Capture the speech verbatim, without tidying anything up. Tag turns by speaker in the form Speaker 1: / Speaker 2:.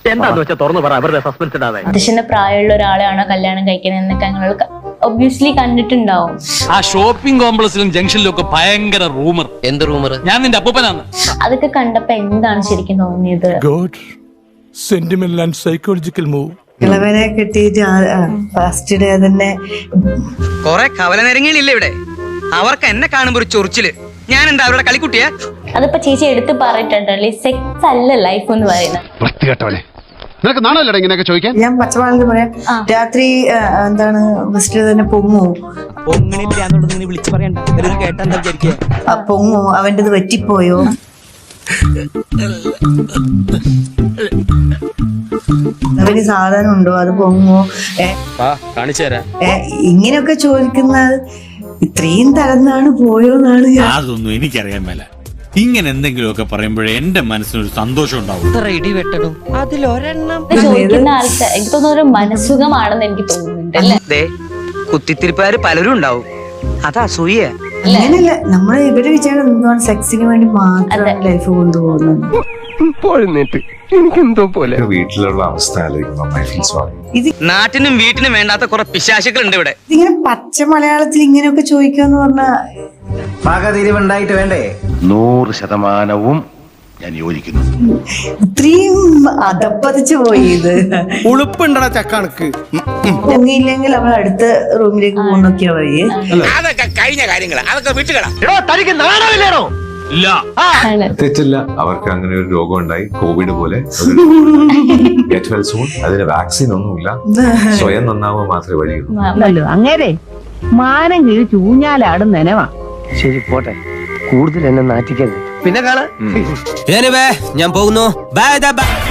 Speaker 1: എന്താന്ന് വെച്ചാൽ തുറന്നു പറ, അവരുടെ സസ്പെൻസ് ഇടാതെ.
Speaker 2: അച്ഛന്റെ പ്രായമുള്ള ഒരാളെയാണോ കല്യാണം കഴിക്കുന്നത് എന്നൊക്കെ ഞങ്ങൾ ഒബ്വിയസ്ലി കണ്ടിട്ടുണ്ടാവും.
Speaker 3: ആ ഷോപ്പിംഗ് കോംപ്ലക്സിലും ജംഗ്ഷനിലും ഒക്കെ ഭയങ്കര റൂമർ. എന്ത് റൂമർ? ഞാൻ നിന്റെ അപ്പൂപ്പനാണ്.
Speaker 2: അതൊക്കെ കണ്ടപ്പോ എന്താണ് ശരിക്കും തോന്നിയത്?
Speaker 4: Sentimental and psychological move.
Speaker 5: ഇളവനെ കിട്ടിയിട്ട് ഫസ്റ്റ് ഡേ തന്നെ
Speaker 6: കൊറേ കവലനരങ്ങളില്ലേ ഇവിടെ, അവർക്ക് എന്നെ കാണുമ്പോ ഒരു ചൊറിച്ചില്. ഞാൻ എന്താ അവരുടെ കളിക്കുട്ടിയാ?
Speaker 2: അതിപ്പോ ചേച്ചി എടുത്ത് പറഞ്ഞിട്ടുണ്ടല്ലേ, സെക്സ് അല്ല ലൈഫ് എന്ന് പറയുന്നത്.
Speaker 7: നിനക്ക് നാണല്ലേ ഇങ്ങനെയൊക്കെ ചോദിക്കാൻ?
Speaker 5: ഞാൻ പച്ചവാളിൽ പറയാം, രാത്രി എന്താണ് ഫസ്റ്റ് തന്നെ പൊങ്ങു പൊങ്ങു അവൻ്റെത് പറ്റിപ്പോയോ, അവന് സാധനം ഉണ്ടോ, അത് പൊങ്ങോ, ഇങ്ങനെയൊക്കെ ചോദിക്കുന്നത് ഇത്രയും തകർന്നാണ് പോയോന്നാണ്.
Speaker 8: അതൊന്നും എനിക്കറിയാൻ മേല. ഇങ്ങനെ എന്തെങ്കിലുമൊക്കെ പറയുമ്പോഴേ എന്റെ മനസ്സിനൊരു സന്തോഷം ഉണ്ടാവും.
Speaker 2: ചോദിക്കുന്ന ആൾക്ക് എനിക്ക് തോന്നുന്ന ഒരു മനസുഖമാണെന്ന് എനിക്ക് തോന്നുന്നുണ്ട് അല്ലേ?
Speaker 6: കുത്തിത്തിരിപ്പുകാര് പലരും ഉണ്ടാവും, അത് അസൂയ.
Speaker 5: അങ്ങനെയല്ല, നമ്മള് ഇവര് വിചാരം എന്താണ് സെക്സിന് വേണ്ടി മാത്രം ലൈഫ് കൊണ്ടുപോകുന്നത്.
Speaker 9: എനിക്കെന്തോ പോലെ
Speaker 7: വീട്ടിലുള്ള അവസ്ഥ
Speaker 5: ഇത്
Speaker 6: നാട്ടിനും വീട്ടിനും വേണ്ടാത്ത കുറെ പിശാചുക്കൾ ഉണ്ട് ഇവിടെ.
Speaker 5: ഇതിങ്ങനെ പച്ച മലയാളത്തിൽ ഇങ്ങനെയൊക്കെ ചോദിക്കാന്ന് പറഞ്ഞാ
Speaker 1: പാകതിരിവുണ്ടായിട്ട് വേണ്ടേ?
Speaker 7: നൂറ് ശതമാനവും ഞാൻ യോജിക്കുന്നു.
Speaker 5: ഇത്രയും അതപ്പതിച്ചു പോയി. ഇത്
Speaker 1: ഉളുപ്പുണ്ടടാ ചക്കണക്ക്.
Speaker 5: പൊങ്ങിയില്ലെങ്കിൽ അവൾ അടുത്ത റൂമിലേക്ക് പോകുന്നൊക്കെയാ വഴി.
Speaker 3: അതൊക്കെ കഴിഞ്ഞ കാര്യങ്ങളാ, അതൊക്കെ വിട്ടുകളാ.
Speaker 1: തനിക്ക് നാണമില്ലേണോ?
Speaker 3: ഇല്ല,
Speaker 7: തെറ്റില്ല. അവർക്ക് അങ്ങനെ ഒരു രോഗം ഉണ്ടായി, കോവിഡ് പോലെ. Get well soon. അതിന് വാക്സിൻ ഒന്നുമില്ല, സ്വയം നന്നാവുക മാത്രമേ വഴിയുള്ളൂ.
Speaker 10: അങ്ങനെ മാനം കീഴ് ചൂഞ്ഞാലാടും നനവാ.
Speaker 1: ശരി പോട്ടെ, കൂടുതൽ എന്നെ നാറ്റിക്കരുത്. പിന്നെ കാണാ
Speaker 6: ഞാൻ പോകുന്നു. Bye by.